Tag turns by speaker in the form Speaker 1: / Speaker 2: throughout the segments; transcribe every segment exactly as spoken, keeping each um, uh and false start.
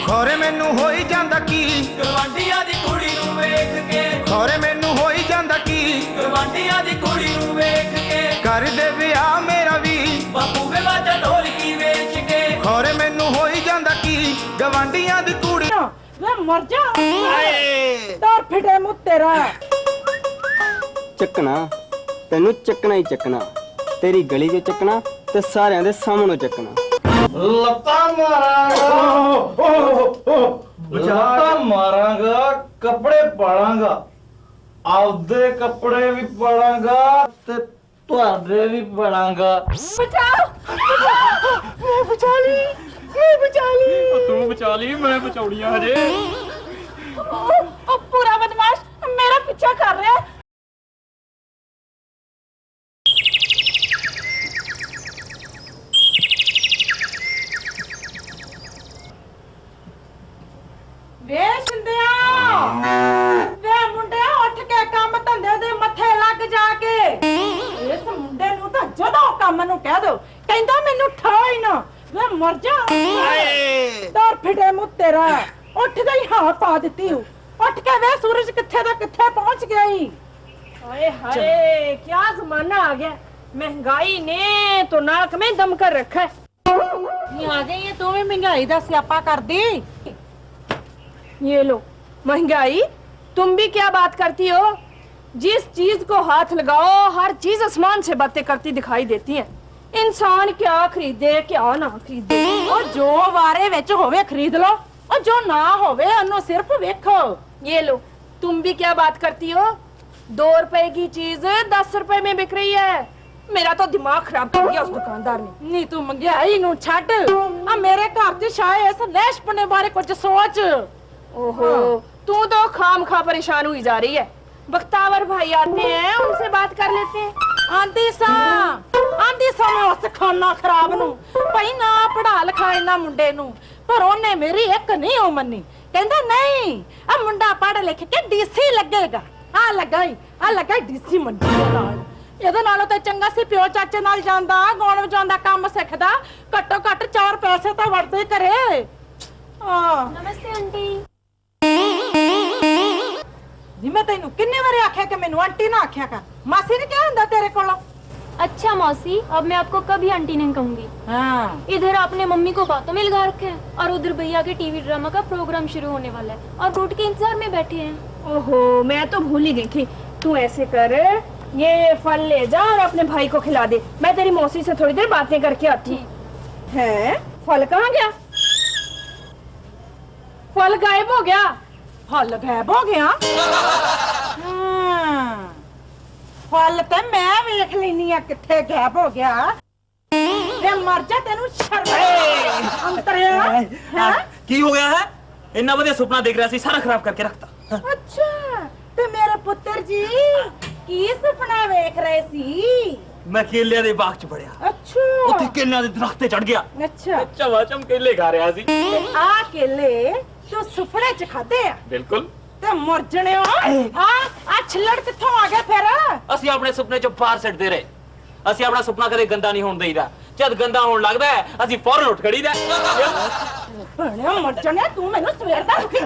Speaker 1: ਖੋਰੇ ਮੈਨੂੰ ਹੋਈ ਜਾਂਦਾ ਕੀ
Speaker 2: ਗਵਾਂਢੀਆਂ ਦੀ ਕੁੜੀ ਨੂੰ ਵੇਖ ਕੇ
Speaker 1: ਖੋਰੇ ਮੈਨੂੰ ਹੋਈ ਜਾਂਦਾ ਕੀ
Speaker 2: ਗਵਾਂਢੀਆਂ ਦੀ ਕੁੜੀ ਨੂੰ ਵੇਖ ਕੇ
Speaker 1: ਕਰ ਦੇ ਵਿਆਹ ਮੇਰਾ ਵੀ
Speaker 2: ਬਾਪੂ ਵੇ ਵਾਜਾ ਢੋਲਕੀ ਵੇਚ ਕੇ
Speaker 1: ਖੋਰੇ ਮੈਨੂੰ ਹੋਈ ਜਾਂਦਾ ਕੀ ਗਵਾਂਢੀਆਂ ਦੀ ਕੁੜੀ
Speaker 3: ਵੇ ਮਰ ਜਾ ਤਾਰ ਫਿਟੇ ਮੂੰਹ ਤੇਰਾ
Speaker 4: ਚੱਕਣਾ ਤੈਨੂੰ ਚੱਕਣਾ ਹੀ ਚੱਕਣਾ ਤੇਰੀ ਗਲੀ 'ਚ ਚੱਕਣਾ ਤੇ ਸਾਰਿਆਂ ਦੇ ਸਾਹਮਣੇ ਚੱਕਣਾ
Speaker 5: ਲੱਤਾਂ ਮਾਰਾਂਗਾ ਲੱਤਾਂ ਮਾਰਾਂਗਾ ਕੱਪੜੇ ਪਾਲਾਂਗਾ ਆਪਦੇ ਕੱਪੜੇ ਵੀ ਪਾਲਾਂਗਾ ਤੇ ਤੁਹਾਡੇ ਵੀ ਪਾਲਾਂਗਾ
Speaker 3: ਬਚਾਓ ਮੈਂ ਬਚਾ ਲਈ ਮੈਂ ਬਚਾ ਲਈ
Speaker 6: ਤੂੰ ਬਚਾ ਲਈ ਮੈਂ ਬਚਾਉਣੀ ਆ ਹਜੇ
Speaker 3: ਉਹ ਪੂਰਾ ਬਦਮਾਸ਼ ਮੇਰਾ ਪਿੱਛਾ ਕਰ ਰਿਹਾ ਵੇ ਸਿੰਧਿਆ ਵੇ ਮੁੰਡਿਆ ਉੱਠ ਕੇ ਕੰਮ ਧੰਦੇ ਦੇ ਮੱਥੇ ਲੱਗ ਜਾ ਕੇ ਇਸ ਮੁੰਡੇ ਨੂੰ ਤਾਂ ਜਦੋਂ ਕੰਮ ਨੂੰ ਕਹਿ ਦੋ ਕਹਿੰਦਾ ਮੈਨੂੰ ਠਾਈ ਨਾ ਵੇ ਮਰ ਜਾ ਤਾਰ ਫਿਟੇ ਮੂੰਹ ਤੇਰਾ ਉੱਠਦਾ ਹੀ ਹਾਂ ਪਾ ਦਿੱਤੀ ਹੂੰ ਉੱਠ ਕੇ ਵੇ ਸੂਰਜ ਕਿੱਥੇ ਦਾ ਕਿੱਥੇ ਪਹੁੰਚ ਗਿਆ ਈ
Speaker 7: हाय हाय क्या जमाना आ गया महंगाई ने तो नाक में दम कर रखा है
Speaker 3: ये आ गई है तू भी महंगाई दा स्यापा कर दी
Speaker 7: ये लो महंगाई तुम भी क्या बात करती हो जिस चीज को हाथ लगाओ हर चीज आसमान से बातें करती दिखाई देती है इंसान क्या खरीदे क्या ना खरीदे
Speaker 3: और जो वारे विच होवे खरीद लो और जो ना होवे ओनु सिर्फ देखो
Speaker 7: ये लो तुम भी क्या बात करती हो दो रुपए की चीज दस रुपए में बिक रही है मेरा तो दिमाग खराब कर दिया उस दुकानदार ने
Speaker 3: नी तू महंगाई नु छੱਡ आ मेरे घर च शाये इस लेशपने बारे कुछ सोच
Speaker 7: ओहो तू तो खाम खा परेशान हुई जा रही है बख्तावर भाई आते हैं उनसे बात कर लेते हैं
Speaker 3: आंदी सा आंदी सा मैं उस खाना खराब नु भाई ना पढ़ा लिखा इना मुंडे नु पर ओने मेरी एक नहीं ओ मन्नी कहंदा नहीं आ मुंडा पढ़ लिख के डीसी लगेगा आ लगाई आ लगाई डीसी मंडी ਦੇ ਨਾਲ ਇਹਦੇ ਨਾਲੋਂ ਤਾਂ ਚੰਗਾ ਸੀ ਪਿਓ ਚਾਚੇ ਨਾਲ ਜਾਂਦਾ ਗਾਉਣ ਵਜਾਉਣ ਦਾ ਕੰਮ ਸਿੱਖਦਾ ਘੱਟੋ ਘੱਟ ਚਾਰ ਪੈਸੇ ਤਾਂ ਵੜਦੇ ਕਰੇ ਆ
Speaker 8: नमस्ते आंटी
Speaker 3: ਜੀ ਮੈਂ ਤੈਨੂੰ ਕਿੰਨੇ ਵਾਰੀ ਆਖਿਆ ਕਿ ਮੈਨੂੰ ਆਂਟੀ ਨਾ ਆਖਿਆ ਕਰ ਮਾਸੀ ਨੇ ਕਿਹਾ ਹੁੰਦਾ ਤੇਰੇ ਕੋਲੋਂ
Speaker 8: अच्छा मौसी अब मैं आपको कभी आंटी नहीं कहूंगी
Speaker 3: ਹਾਂ
Speaker 8: इधर आपने मम्मी को बातों में लगा रखा है और उधर भैया के टीवी ड्रामा का प्रोग्राम शुरू होने वाला है और फ्रूट के इंतजार में बैठे हैं
Speaker 7: ओहो मैं तो भूल ही गई थी तू ऐसे कर ये फल ले जा और अपने भाई को खिला दे मैं तेरी मौसी से थोड़ी देर बातें करके आती है फल कहाँ गया फल गायब हो गया
Speaker 3: फल गायब हो गया ਹਾਂ ਫਲ ਤੇ ਮੈਂ ਵੇਖ ਲੈਨੀ ਆ ਕਿੱਥੇ ਗਾਇਬ ਹੋ ਗਿਆ ਤੇ ਮਰ ਜਾ ਤੈਨੂੰ ਸ਼ਰਮ ਅੰਤਰਿਆ ਹੈ
Speaker 2: ਕੀ ਹੋ ਗਿਆ ਹੈ ਇੰਨਾ ਵਧੀਆ ਸੁਪਨਾ ਦੇਖ ਰਿਹਾ ਸੀ ਸਾਰਾ ਖਰਾਬ ਕਰਕੇ ਰੱਖਤਾ
Speaker 3: ਅੱਛਾ ਤੇ ਮੇਰੇ ਪੁੱਤਰ ਜੀ ਕੀ ਸੁਪਨਾ ਵੇਖ ਰਹੇ ਸੀ
Speaker 2: ਮੈਂ ਕੇਲਿਆਂ ਦੇ ਬਾਗ 'ਚ ਵੜਿਆ
Speaker 3: ਅੱਛਾ
Speaker 2: ਉੱਥੇ ਕੇਲਿਆਂ ਦੇ ਦਰਖਤ ਤੇ ਚੜ ਗਿਆ
Speaker 3: ਅੱਛਾ
Speaker 2: ਚਵਾ ਚਮ ਕੇਲੇ ਖਾ ਰਿਹਾ ਸੀ
Speaker 3: ਆ ਕੇਲੇ ਤੂੰ ਸੁਪਨੇ ਚ ਖਾਦੇ ਆ
Speaker 2: ਬਿਲਕੁਲ
Speaker 3: ਤੇ ਮਰ ਜਣਿਓ ਆ ਆ ਛਿੱਲੜ ਕਿੱਥੋਂ ਆ ਗਿਆ ਫਿਰ
Speaker 2: ਅਸੀਂ ਆਪਣੇ ਸੁਪਨੇ 'ਚੋਂ ਪਾਰ ਸਿੱਟਦੇ ਰਹੇ ਅਸੀਂ ਆਪਣਾ ਸੁਪਨਾ ਕਦੇ ਗੰਦਾ ਨਹੀਂ ਹੋਣ ਦੇਈਦਾ ਜਦ ਗੰਦਾ ਹੋਣ ਲੱਗਦਾ ਹੈ ਅਸੀਂ ਫੌਰਨ ਉੱਠ ਖੜੀਦਾ
Speaker 3: ਭਣਿਆ ਮਰ ਜਣਿਆ ਤੂੰ ਮੈਨੂੰ ਸਵੇਰ ਦਾ ਦੁਖੀ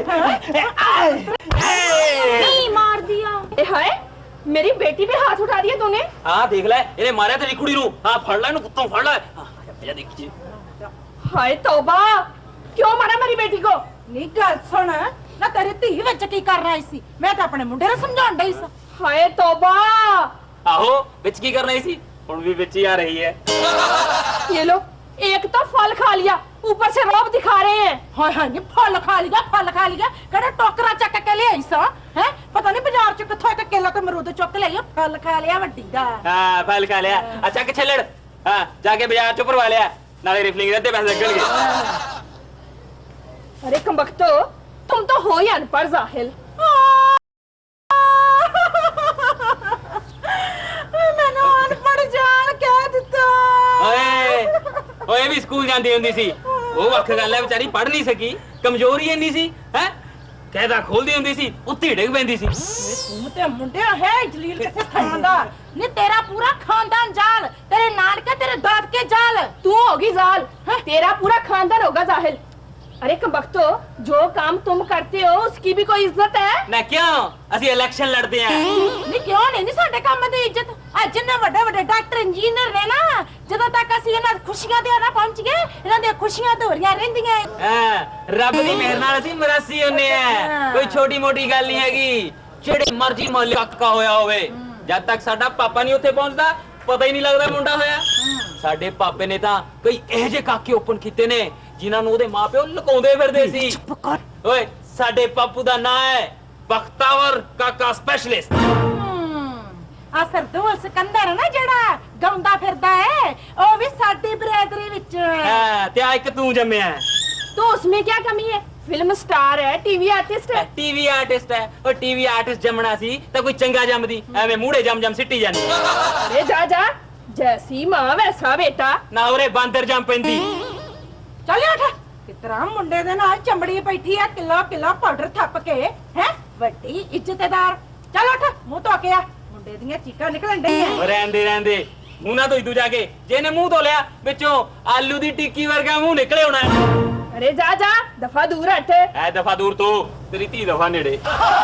Speaker 8: नहीं मार दिया
Speaker 7: ए हाय मेरी बेटी पे हाथ उठा दिया तूने
Speaker 2: ਹਾਂ ਦੇਖ ਲੈ ਇਹਨੇ ਮਾਰਿਆ ਤੇਰੀ ਕੁੜੀ ਨੂੰ ਹਾਂ ਫੜ ਲੈ ਇਹਨੂੰ ਕੁੱਤੋਂ ਫੜ ਲੈ ਹਾਂ ਦੇਖੀ
Speaker 7: हाय तौबा क्यों मारा मेरी बेटी को
Speaker 3: ਨੀ ਗੱਲ ਸੁਣ ਨਾ ਤੇਰੀ ਧੀ ਵਿੱਚ ਕੀ ਕਰ ਰਹੀ ਸੀ ਮੈਂ ਤਾਂ ਆਪਣੇ ਮੁੰਡੇ ਨੂੰ ਸਮਝਾਉਣ ਡਈ ਸੀ
Speaker 7: हाय तौबा
Speaker 2: ਆਹੋ ਵਿੱਚ ਕੀ ਕਰ ਰਹੀ ਸੀ ਹੁਣ ਵੀ ਵਿੱਚ ਹੀ ਆ ਰਹੀ ਹੈ
Speaker 7: ये लो एक तो फल खा लिया ऊपर से रौब दिखा रहे हैं
Speaker 3: ਹਾਏ ਹਾਏ ਨੀ ਫਲ ਖਾ ਲਿਆ ਫਲ ਖਾ ਲਿਆ ਕਿਹੜਾ ਟੋਕਰਾ ਚੱਕ ਕੇ ਲਿਆਈ ਸਾਂ ਹੈ ਪਤਾ ਨਹੀਂ ਬਾਜ਼ਾਰ ਚ ਕਿੱਥੋਂ ਇੱਕ ਕੇਲਾ ਤੇ ਮਰੂਦ ਚੁੱਕ ਲਿਆਈ ਫਲ ਖਾ ਲਿਆ ਵੱਡੀ ਦਾ
Speaker 2: ਹਾਂ ਫਲ ਖਾ ਲਿਆ ਅੱਛਾ ਕਿ ਛੱਲੜ ਹਾਂ ਜਾ ਕੇ ਬਾਜ਼ਾਰ ਚੋਂ ਭਰਵਾ ਲਿਆ ਨਾਲੇ ਰਿਫਲਿੰਗ ਦੇ ਅੱਧੇ ਪੈਸੇ ਲੱਗਣਗੇ
Speaker 7: अरे कमबख्तो तुम तो हो ही अनपढ़ जाहिल
Speaker 3: ਮੈਨੂੰ ਅਨਪੜ੍ਹ ਜਾਣ ਕਹਿ ਦਿੱਤਾ
Speaker 2: ਓਏ ਓਏ ਵੀ ਸਕੂਲ ਜਾਂਦੀ ਹੁੰਦੀ ਸੀ ਉਹ ਵੱਖ ਗੱਲ ਹੈ ਵਿਚਾਰੀ ਪੜ੍ਹ ਨਹੀਂ ਸਕੀ ਕਮਜ਼ੋਰੀ ਇੰਨੀ ਸੀ ਹੈ ਕਹਿਦਾ ਖੋਲਦੀ ਹੁੰਦੀ ਸੀ ਉੱਤੀ ਡਿੱਗ ਪੈਂਦੀ ਸੀ
Speaker 3: ਤੂੰ ਤੇ ਮੁੰਡਿਆ ਹੈ ਜਲੀਲ ਕਿਸੇ ਥਾਂ ਦਾ ਨੀ ਤੇਰਾ ਪੂਰਾ ਖਾਨਦਾਨ ਜਾਲ ਤੇਰੇ ਨਾਨਕੇ ਤੇਰੇ ਦਾਦਕੇ ਜਾਲ
Speaker 7: तू होगी जाल तेरा पूरा खानदान होगा जाहिल अरे कबख्तो, जो काम तुम करते हो उसकी भी कोई इज्जत है?
Speaker 2: ਨਾ ਕਿਉਂ ਅਸੀਂ ਇਲੈਕਸ਼ਨ ਲੜਦੇ ਆਂ
Speaker 3: ਨਹੀਂ ਕਿਉਂ ਨਹੀਂ ਨੀ ਸਾਡੇ ਕੰਮ ਦੀ ਇੱਜ਼ਤ ਆ ਜਿੰਨੇ ਵੱਡੇ ਵੱਡੇ ਡਾਕਟਰ ਇੰਜੀਨੀਅਰ ਨੇ ਨਾ ਜਦੋਂ ਤੱਕ ਅਸੀਂ ਇਹਨਾਂ ਦੀ ਖੁਸ਼ੀਆਂ ਤੇ ਨਾ ਪਹੁੰਚ ਗਏ ਇਹਨਾਂ ਦੀਆਂ ਖੁਸ਼ੀਆਂ ਅਧੂਰੀਆਂ ਰਹਿੰਦੀਆਂ ਏ।
Speaker 2: ਹਾਂ ਰੱਬ ਦੀ ਮਿਹਰ ਨਾਲ ਅਸੀਂ ਮਰਾਸੀ ਹੁੰਨੇ ਆ ਕੋਈ ਛੋਟੀ ਮੋਟੀ ਗੱਲ ਨਹੀਂ ਹੈਗੀ ਜਿਹੜੇ ਮਰਜ਼ੀ ਮੁਹੱਲੇ ਕੱਕਾ ਹੋਇਆ ਹੋਵੇ ਜਦ ਤੱਕ ਸਾਡਾ ਪਾਪਾ ਨਹੀਂ ਉੱਥੇ ਪਹੁੰਚਦਾ ਪਤਾ ਹੀ ਨਹੀਂ ਲੱਗਦਾ ਮੁੰਡਾ ਹੋਇਆ ਸਾਡੇ ਪਾਪੇ ਨੇ ਤਾਂ ਕਈ ਇਹੋ ਜਿਹੇ ਕਾਕੇ ਓਪਨ ਕੀਤੇ ਨੇ ਜਿਨ੍ਹਾਂ ਨੂੰ ਉਹਦੇ ਮਾਪਿਓ ਲੁਕਾਉਂਦੇ ਫਿਰਦੇ ਸੀ ਓਏ ਸਾਡੇ ਪਾਪੂ ਦਾ ਨਾਂ ਹੈ ਬਖਤਾਵਰ ਕਾਕਾ ਸਪੈਸ਼ਲਿਸਟ
Speaker 3: ਆ ਸਰਦੂਲ ਸਿਕੰਦਰ ਨਾ ਜਿਹੜਾ ਗਾਉਂਦਾ ਫਿਰਦਾ ਹੈ ਉਹ ਵੀ ਸਾਡੀ ਬਰਾਦਰੀ ਵਿੱਚ
Speaker 2: ਹਾਂ ਤੇ ਆ ਇੱਕ ਤੂੰ ਜੰਮਿਆ ਹੈ
Speaker 7: तो उसमें क्या कमी है? फिल्म स्टार है, टीवी आर्टिस्ट है।
Speaker 2: ਟੀਵੀ ਆਰਟਿਸਟ ਹੈ ਉਹ ਟੀਵੀ ਆਰਟਿਸਟ ਜੰਮਣਾ ਸੀ ਤਾਂ ਕੋਈ ਚੰਗਾ ਜੰਮਦੀ ਐਵੇਂ ਮੂਹੜੇ ਜੰਮ ਜੰਮ ਸਿੱਟੀ ਜਾਂਦੀ
Speaker 7: अरे जा जा, जैसी माँ वैसा बेटा।
Speaker 2: ਨਾ ਉਰੇ ਬਾਂਦਰ ਜੰਮ ਪੈਂਦੀ
Speaker 3: ਚੱਲ ਉੱਠ ਕਿਤਰਾ ਮੁੰਡੇ ਦੇ ਨਾਲ ਚਮੜੀ ਬੈਠੀ ਆ ਕਿਲੋ ਕਿਲੋ ਪਾਊਡਰ ਥੱਪ ਕੇ ਹੈ ਵੱਡੀ ਇੱਜ਼ਤਦਾਰ ਚੱਲ ਉੱਠ ਮੂੰਹ ਧੋ ਕੇ ਆ ਮੁੰਡੇ ਦੀਆਂ ਚੀਕਾਂ ਨਿਕਲਣ ਡਈਆਂ
Speaker 2: ਉਹ ਰਹਿੰਦੇ ਰਹਿੰਦੇ ਮੂੰਹ ਨਾ ਧੋਈ ਤੂੰ ਜਾ ਕੇ ਜੇ ਨੇ ਮੂੰਹ ਧੋ ਲਿਆ ਵਿੱਚੋਂ ਆਲੂ ਦੀ ਟਿੱਕੀ ਵਰਗਾ ਮੂੰਹ ਨਿਕਲੇ ਹੋਣਾ
Speaker 7: अरे जा जा, दफा दूर हट।
Speaker 2: ਐ ਦਫਾ ਦੂਰ ਤੋਂ ਤੇਰੀ ਧੀ ਦਫਾ ਨੇੜੇ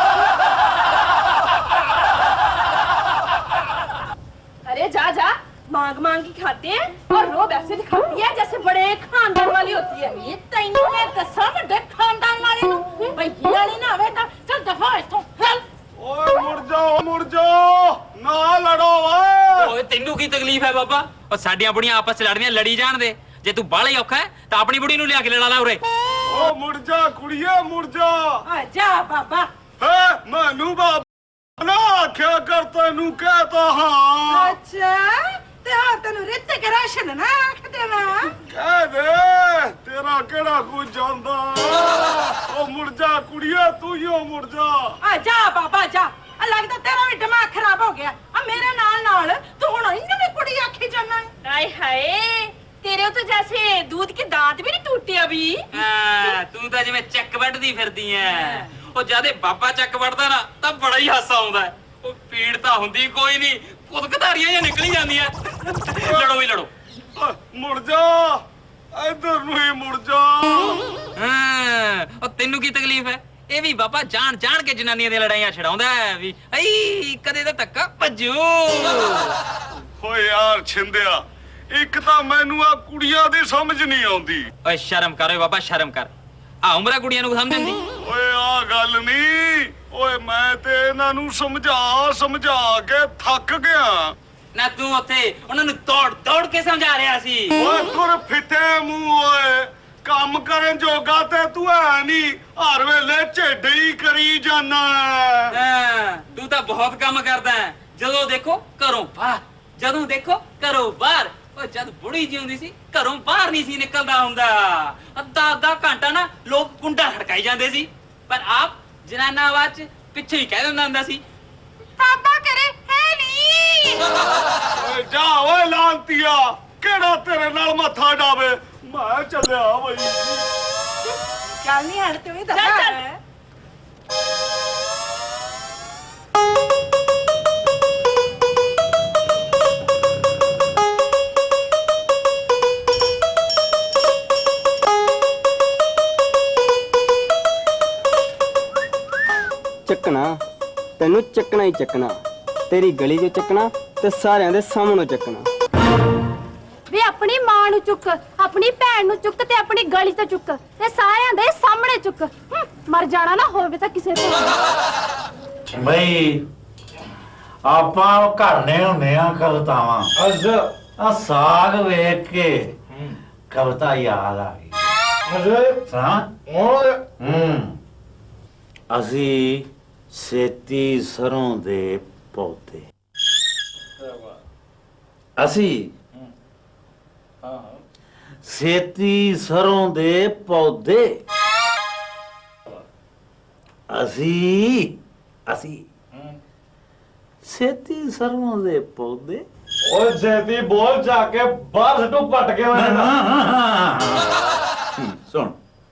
Speaker 7: अरे जा जा, मांग मांग के खाते हैं और रोब ऐसे दिखाती है जैसे बड़े खानदान वाली होती है।
Speaker 3: ਇਹ ਤੈਨੂੰ ਮੈਂ ਦੱਸਾਂ ਵੱਡੇ ਖਾਨਦਾਨ ਵਾਲੇ ਨੂੰ ਭਈ ਵਾਲੀ ਨਾ ਹੋਵੇ ਤਾਂ ਚੱਲ ਦਫਾ ਇੱਥੋਂ ਚੱਲ
Speaker 5: ਓਏ ਮੁੜ ਜਾਓ ਮੁੜ ਜਾਓ ਨਾ ਲੜੋ ਓਏ
Speaker 2: ਓਏ ਤੈਨੂੰ ਕੀ ਤਕਲੀਫ ਹੈ ਬਾਬਾ ਉਹ ਸਾਡੀਆਂ ਬੁੜੀਆਂ ਆਪਸ ਚ ਲੜਦੀਆਂ ਲੜੀ ਜਾਣ ਦੇ ਜੇ ਤੂੰ ਬਾਹਲਾ ਹੀ ਔਖਾ ਹੈ ਤਾਂ ਆਪਣੀ ਬੁੜੀ ਨੂੰ ਲਿਆ ਕੇ ਲੜਾ ਲਾ ਉਰੇ
Speaker 5: ਓ ਮੁੜ ਜਾ ਕੁੜੀਏ ਮੁੜ ਜਾ
Speaker 3: ਆ ਜਾ ਬਾਬਾ
Speaker 5: ਹੈ ਮੈਨੂੰ ਬਾਬਾ ਨਾ ਆਖਿਆ ਕਰ ਤੈਨੂੰ ਕਹਤਾ ਹਾਂ
Speaker 3: ਅੱਛਾ ਤੇ ਆ ਤੈਨੂੰ ਰਿੱਤਿਕ ਰੋਸ਼ਨ ਨਾ ਆਖ ਦੇਵਾਂ
Speaker 5: ਕਹਿ ਦੇ ਤੇਰਾ ਕਿਹੜਾ ਕੁਝ ਜਾਂਦਾ ਓ ਮੁੜ ਜਾ ਕੁੜੀਏ ਤੂੰ ਹੀ ਓ ਮੁੜ ਜਾ
Speaker 3: ਆ ਜਾ ਬਾਬਾ ਜਾ ਆ ਲੱਗਦਾ ਤੇਰਾ ਵੀ ਦਿਮਾਗ ਖਰਾਬ ਹੋ ਗਿਆ ਆ ਮੇਰੇ ਨਾਲ ਨਾਲ ਤੂੰ ਹੁਣ ਇਹਨੂੰ ਵੀ ਕੁੜੀ ਆਖੀ ਜਾਣਾ
Speaker 7: हाय हाय, तेरे तो जैसे दूध के दांत भी नहीं टूटे अभी।
Speaker 2: ਹਾਂ ਤੂੰ ਤਾਂ ਜਿਵੇਂ ਚੱਕ ਵੱਢਦੀ ਫਿਰਦੀ ਐ ਉਹ ਜਦੇ ਬਾਬਾ ਚੱਕ ਵੱਢਦਾ ਨਾ ਤਾਂ ਬੜਾ ਹੀ ਹਾਸਾ ਆਉਂਦਾ ਹੈ। ਉਹ ਪੀੜ ਤਾਂ ਹੁੰਦੀ ਕੋਈ ਨਹੀਂ ਕੁਦਕਧਾਰੀਆਂ ਜਾਂ ਨਿਕਲੀ ਜਾਂਦੀਆਂ ਲੜੋ ਹੀ ਲੜੋ
Speaker 5: ਓਏ, ਮੁੜ ਜਾ ਇੱਧਰ ਨੂੰ ਹੀ ਮੁੜ ਜਾ
Speaker 2: ਹਾਂ ਉਹ ਤੈਨੂੰ ਕੀ ਤਕਲੀਫ ਹੈ ਇਹ ਵੀ ਬਾਬਾ ਜਾਣ ਜਾਣ ਕੇ ਜਨਾਨੀਆਂ ਦੀਆਂ ਲੜਾਈਆਂ ਛਡਾਉਂਦਾ ਹੈ ਵੀ ਅਈ ਕਦੇ ਤਾਂ ਧੱਕਾ ਭੱਜੂ
Speaker 5: ਓਏ ਯਾਰ ਛਿੰਦਿਆ ਇੱਕ ਤਾਂ ਮੈਨੂੰ ਆ ਕੁੜੀਆਂ ਦੀ ਸਮਝ ਨਹੀਂ ਆਉਂਦੀ
Speaker 2: ਓਏ ਸ਼ਰਮ ਕਰ ਓਏ ਬਾਬਾ ਸ਼ਰਮ ਕਰ ਆ ਉਮਰਾਂ ਕੁੜੀਆਂ ਨੂੰ ਸਮਝਦੀ
Speaker 5: ਓਏ ਆ ਗੱਲ ਨਹੀਂ ਓਏ ਮੈਂ ਤੇ ਇਹਨਾਂ ਨੂੰ ਸਮਝਾ ਸਮਝਾ ਕੇ ਥੱਕ ਗਿਆ
Speaker 2: ਨਾ ਤੂੰ ਉੱਥੇ ਉਹਨਾਂ ਨੂੰ ਦੌੜ ਦੌੜ ਕੇ ਸਮਝਾ ਰਿਹਾ ਸੀ
Speaker 5: ਓਏ ਤੁਰ ਫਿੱਟੇ ਮੂੰਹ ਓਏ ਕੰਮ ਕਰਨ ਜੋਗਾ ਤੇ ਤੂੰ ਐ ਨਹੀਂ ਹਰ ਵੇਲੇ ਝੇਡੇ ਹੀ ਕਰੀ ਜਾਨਾ
Speaker 2: ਹਾਂ ਤੂੰ ਤਾਂ ਬਹੁਤ ਕੰਮ ਕਰਦਾ ਹੈ ਜਦੋਂ ਦੇਖੋ ਘਰੋਂ ਬਾਹਰ ਜਦੋਂ ਦੇਖੋ ਘਰੋਂ ਬਾਹਰ ਉਹ ਜਦ ਬੁੜੀ ਜੀ ਹੁੰਦੀ ਸੀ ਘਰੋਂ ਬਾਹਰ ਨਹੀਂ ਸੀ ਨਿਕਲਦਾ ਹੁੰਦਾ ਅੱਧਾ ਅੱਧਾ ਘੰਟਾ ਨਾ ਲੋਕ ਕੁੰਡਾ ਖੜਕਾਈ ਜਾਂਦੇ ਸੀ ਪਰ ਆਪ ਜਨਾਨਾ ਆਵਾਜ਼ ਚ ਪਿੱਛੇ ਹੀ ਕਹਿ ਦਿੰਦਾ ਹੁੰਦਾ ਸੀ
Speaker 3: ਬਾਬਾ ਕਰੇ ਹੈ ਨਹੀਂ
Speaker 5: ਓਏ ਜਾ ਓਏ ਲਾਂਤੀਆ ਕਿਹੜਾ ਤੇਰੇ ਨਾਲ ਮੱਥਾ ਡਾਵੇ ਮੈਂ ਚੱਲਿਆ ਬਈ
Speaker 3: ਚੱਲ ਨਹੀਂ ਹਣ ਤੂੰ ਹੀ
Speaker 7: ਚੱਲ,
Speaker 3: ਦੱਸ
Speaker 7: ਚੱਲ।
Speaker 4: ਚੱਕਣਾ ਤੈਨੂੰ ਚੱਕਣਾ ਹੀ ਚੱਕਣਾ ਤੇਰੀ ਗਲੀ 'ਚੋਂ ਚੱਕਣਾ ਤੇ ਸਾਰਿਆਂ ਦੇ ਸਾਹਮਣੋਂ ਚੱਕਣਾ
Speaker 8: ਵੇ ਆਪਣੀ ਮਾਂ ਨੂੰ ਚੁੱਕ ਆਪਣੀ ਭੈਣ ਨੂੰ ਚੁੱਕ ਤੇ ਆਪਣੀ ਗਲੀ ਤੋਂ ਚੁੱਕ ਤੇ ਸਾਰਿਆਂ ਦੇ ਸਾਹਮਣੇ ਚੁੱਕ ਹੂੰ, ਮਰ ਜਾਣਾ ਨਾ ਹੋਵੇ ਤਾਂ ਕਿਸੇ ਤੋਂ
Speaker 9: ਬਈ ਆਪਾਂ ਘਰਨੇ ਹੁੰਦੇ ਆ ਕਵਿਤਾਵਾਂ
Speaker 5: ਅੱਛਾ
Speaker 9: ਆ ਸਾਗ ਵੇਖ ਕੇ ਕਵਿਤਾ ਯਾਦ ਆ ਗਈ
Speaker 5: ਅਜੇ
Speaker 9: ਸੁਣਾ
Speaker 5: ਓਏ
Speaker 9: ਹੂੰ ਅਸੀਂ ਸੇਤੀ ਸਰੋਂ ਦੇ ਪੌਦੇ ਅਸੀਂ ਸੇਤੀ ਸਰੋਂ ਦੇ ਪੌਦੇ ਅਸੀਂ ਅਸੀਂ ਸੇਤੀ ਸਰੋਂ ਦੇ ਪੌਦੇ
Speaker 5: ਓਏ ਜੇਦੀ ਬੋਲ ਜਾ ਕੇ ਬਾਹਰ ਸਟੂ ਪਟ ਕੇ ਮੈਂ
Speaker 9: ਸੁਣ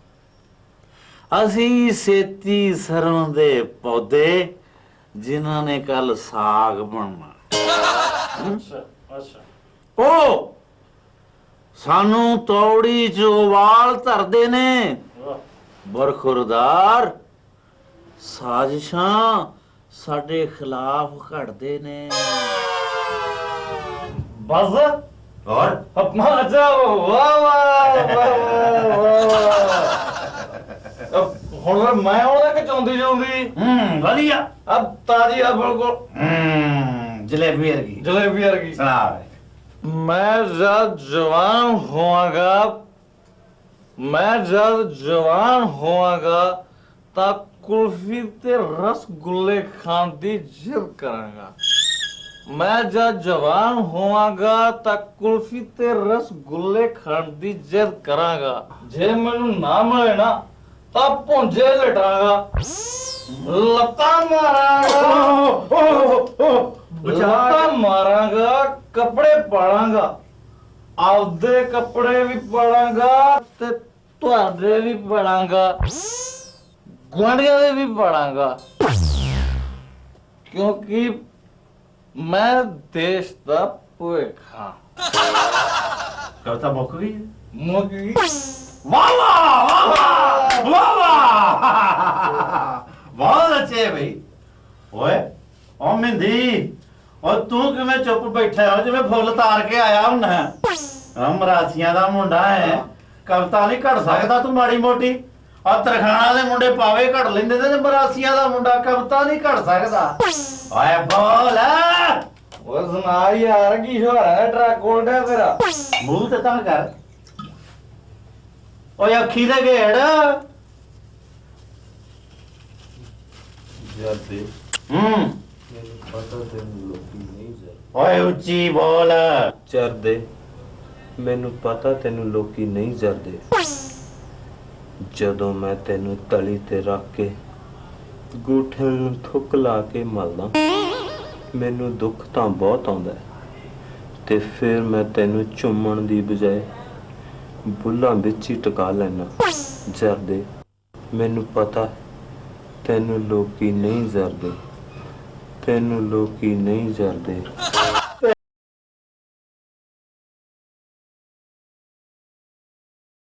Speaker 9: ਅਸੀਂ ਸੇਤੀ ਸਰੋਂ ਦੇ ਪੌਦੇ ਜਿਨ੍ਹਾਂ ਨੇ ਕੱਲ ਸਾਗ ਬਣਨਾ
Speaker 5: ਅੱਛਾ ਅੱਛਾ
Speaker 9: ਉਹ ਸਾਨੂੰ ਤੌੜੀ ਚ ਉਬਾਲ ਧਰਦੇ ਨੇ
Speaker 5: ਵਾਹ
Speaker 9: ਬਰਖੁਰਦਾਰ ਸਾਜ਼ਿਸ਼ਾਂ ਸਾਡੇ ਖਿਲਾਫ ਘੜਦੇ ਨੇ।
Speaker 6: ਬਸ
Speaker 9: ਹੋਰ
Speaker 6: ਅੱਪਾ ਅੱਛਾ ਵਾਹ ਵਾਹ ਵਾਹ ਵਾਹ ਹੁਣ ਫਿਰ ਮੈਂ ਆਉਣਾ ਕਿ ਚਾਹੁੰਦੀ ਚਾਹੁੰਦੀ
Speaker 9: ਹੂੰ ਵਧੀਆ।
Speaker 6: ਅਬ ਤਾਜੀ ਆ ਬਿਲਕੁਲ
Speaker 9: ਹੂੰ ਜਲੇਬੀ ਵਰਗੀ।
Speaker 6: ਜਲੇਬੀ ਵਰਗੀ।
Speaker 9: ਸੁਣਾ।
Speaker 6: ਮੈਂ ਜਦ ਜਵਾਨ ਹੋਵਾਂਗਾ ਮੈਂ ਜਦ ਜਵਾਨ ਹੋਵਾਂਗਾ ਤਾਂ ਕੁਲਫੀ ਤੇ ਰਸਗੁੱਲੇ ਖਾਣ ਦੀ ਜਿੱਦ ਕਰਾਂਗਾ। ਮੈਂ ਜਦ ਜਵਾਨ ਹੋਵਾਂਗਾ ਤਾਂ ਕੁਲਫੀ ਤੇ ਰਸਗੁੱਲੇ ਖਾਣ ਦੀ ਜਿੱਦ ਕਰਾਂਗਾ। ਜੇ ਮੈਨੂੰ ਨਾ ਮਿਲੇ ਨਾ ਤਾਂ ਭੁੰਜੇ ਲਟਾਂਗਾ, ਲੱਤਾਂ ਮਾਰਾਂਗਾ, ਲੱਤਾਂ ਮਾਰਾਂਗਾ, ਕੱਪੜੇ ਪਾੜਾਂਗਾ, ਆਪਦੇ ਕੱਪੜੇ ਵੀ ਪਾੜਾਂਗਾ ਤੇ ਤੁਹਾਡੇ ਵੀ ਪਾੜਾਂਗਾ, ਗੁਆਂਢੀਆਂ ਦੇ ਵੀ ਪਾੜਾਂਗਾ, ਕਿਉਂਕਿ ਮੈਂ ਦੇਸ਼ ਦਾ ਭਵਿੱਖ ਹਾਂ।
Speaker 9: ਕਵਿਤਾ ਮੁੱਕ ਗਈ।
Speaker 6: ਮੁੱਕ ਗਈ।
Speaker 9: ਵਾਹ ਵਾਹ ਵਾਹ ਵਾਹ ਵਾਹ ਬਹੁਤ ਅੱਛੇ ਬਈ। ਓਏ ਓ ਮਿੰਦੀ, ਓ ਤੂੰ ਕਿਵੇਂ ਚੁੱਪ ਬੈਠਾ ਹੋ ਜਿਵੇਂ ਫੁੱਲ ਤਾਰ ਕੇ ਆਇਆ ਹੁੰਨਾ। ਮਰਾਸੀਆਂ ਦਾ ਮੁੰਡਾ ਹੈ, ਕਵਿਤਾ ਨਹੀਂ ਘੜ ਸਕਦਾ ਤੂੰ ਮਾੜੀ ਮੋਟੀ। ਆ ਤਰਖਾਣਾ ਦੇ ਮੁੰਡੇ ਪਾਵੇ ਘੜ ਲੈਂਦੇ ਤੇ ਮਰਾਸੀਆਂ ਦਾ ਮੁੰਡਾ ਕਵਿਤਾ ਨਹੀਂ ਘੜ ਸਕਦਾ। ਓਏ ਬੋਲ।
Speaker 6: ਉਹ ਸੁਣਾ ਯਾਰ ਕੀ ਹੋ ਰਿਹਾ ਹੈ? ਟਰੱਕ ਕੋਲਡਾ ਤੇਰਾ
Speaker 9: ਮੂੰਹ ਤੇ ਤਾਂ ਕਰ। ਓਏ ਅੱਖੀ ਦੇ ਘੇੜ।
Speaker 6: ਜਾਂਦੇ
Speaker 9: ਹੂੰ
Speaker 6: ਮੈਨੂੰ ਪਤਾ ਤੈਨੂੰ ਲੋਕੀ ਨਹੀਂ ਜਰਦੇ।
Speaker 9: ਓਏ ਉੱਚੀ ਬੋਲ।
Speaker 10: ਜਰਦੇ ਮੈਨੂੰ ਪਤਾ ਤੈਨੂੰ ਲੋਕੀ ਨਹੀਂ ਜਰਦੇ। ਜਦੋਂ ਮੈਂ ਤੈਨੂੰ ਤਲੀ ਤੇ ਰੱਖ ਕੇ ਗੂਠਿਆਂ ਨੂੰ ਥੁੱਕ ਲਾ ਕੇ ਮਲਦਾ, ਮੈਨੂੰ ਦੁੱਖ ਤਾਂ ਬਹੁਤ ਆਉਂਦਾ ਤੇ ਫਿਰ ਮੈਂ ਤੈਨੂੰ ਚੁੰਮਣ ਦੀ ਬਜਾਏ ਬੁੱਲਾਂ ਵਿੱਚ ਹੀ ਟਿਕਾ ਲੈਣਾ। ਜਰਦੇ ਮੈਨੂੰ ਪਤਾ ਤੈਨੂੰ ਲੋਕੀ ਨਹੀਂ ਜਰਦੇ, ਤੈਨੂੰ ਲੋਕੀ ਨਹੀਂ ਜਰਦੇ।